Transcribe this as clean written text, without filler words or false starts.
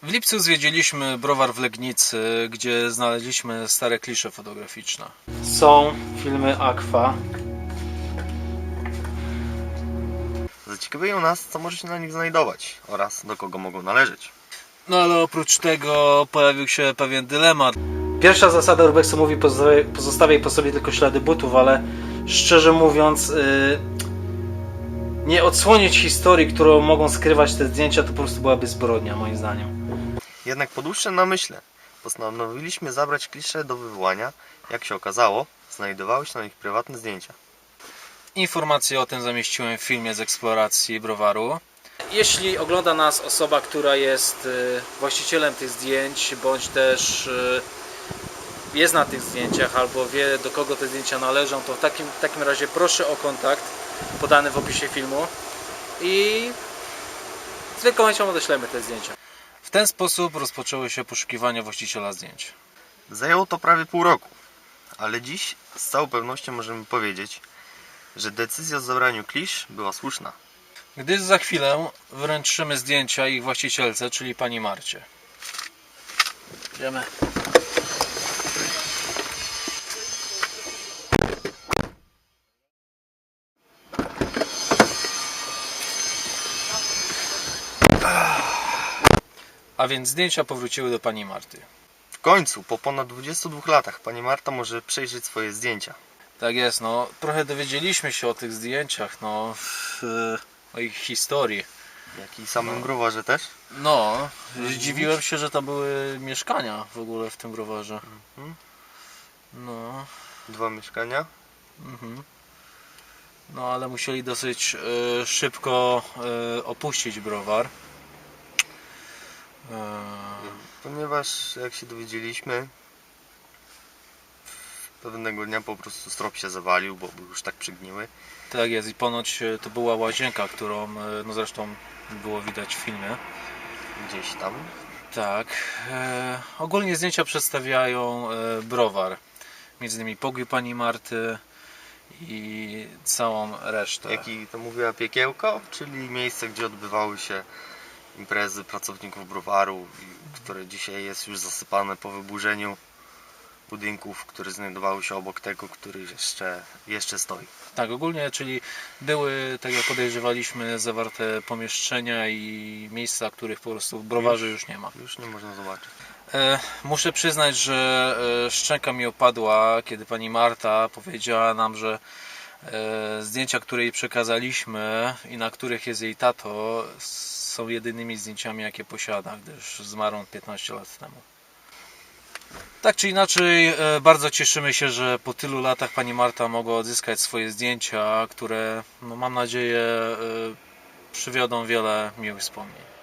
W lipcu zwiedziliśmy browar w Legnicy, gdzie znaleźliśmy stare klisze fotograficzne. Są filmy Aqua. Zaciekawiają nas, co może się na nich znajdować oraz do kogo mogą należeć. No ale oprócz tego pojawił się pewien dylemat. Pierwsza zasada urbexu mówi: pozostawiaj po sobie tylko ślady butów, ale szczerze mówiąc nie odsłonić historii, którą mogą skrywać te zdjęcia, to po prostu byłaby zbrodnia, moim zdaniem. Jednak po dłuższym namyśle postanowiliśmy zabrać klisze do wywołania. Jak się okazało, znajdowały się na nich prywatne zdjęcia. Informacje o tym zamieściłem w filmie z eksploracji browaru. Jeśli ogląda nas osoba, która jest właścicielem tych zdjęć, bądź też jest na tych zdjęciach, albo wie, do kogo te zdjęcia należą, to w takim razie proszę o kontakt podany w opisie filmu i z wielką chęcią odeślemy te zdjęcia. W ten sposób rozpoczęły się poszukiwania właściciela zdjęć. Zajęło to prawie pół roku, ale dziś z całą pewnością możemy powiedzieć, że decyzja o zabraniu klisz była słuszna. Gdyż za chwilę wręczymy zdjęcia ich właścicielce, czyli pani Marcie. Idziemy. A więc zdjęcia powróciły do pani Marty. W końcu, po ponad 22 latach, pani Marta może przejrzeć swoje zdjęcia. Tak jest, no trochę dowiedzieliśmy się o tych zdjęciach, no o ich historii. Jak i samym browarze też. No, zdziwiłem się, że tam były mieszkania w ogóle w tym browarze. No, 2 mieszkania. no ale musieli dosyć szybko opuścić browar. Ponieważ, jak się dowiedzieliśmy, pewnego dnia po prostu strop się zawalił, bo był już tak przygniły. Tak jest, i ponoć to była łazienka, którą no zresztą było widać w filmie. Gdzieś tam. Tak. Ogólnie zdjęcia przedstawiają browar. Między innymi pokój pani Marty i całą resztę. Jak i to mówiła piekiełko, czyli miejsce, gdzie odbywały się imprezy pracowników browaru, które dzisiaj jest już zasypane po wyburzeniu budynków, które znajdowały się obok tego, który jeszcze stoi. Tak, ogólnie, czyli były, tak jak podejrzewaliśmy, zawarte pomieszczenia i miejsca, których po prostu w browarze już nie ma. Już nie można zobaczyć. Muszę przyznać, że szczęka mi opadła, kiedy pani Marta powiedziała nam, że zdjęcia, które jej przekazaliśmy i na których jest jej tato, są jedynymi zdjęciami, jakie posiada, gdyż zmarł on 15 lat temu. Tak czy inaczej, bardzo cieszymy się, że po tylu latach pani Marta mogła odzyskać swoje zdjęcia, które, no, mam nadzieję, przywiodą wiele miłych wspomnień.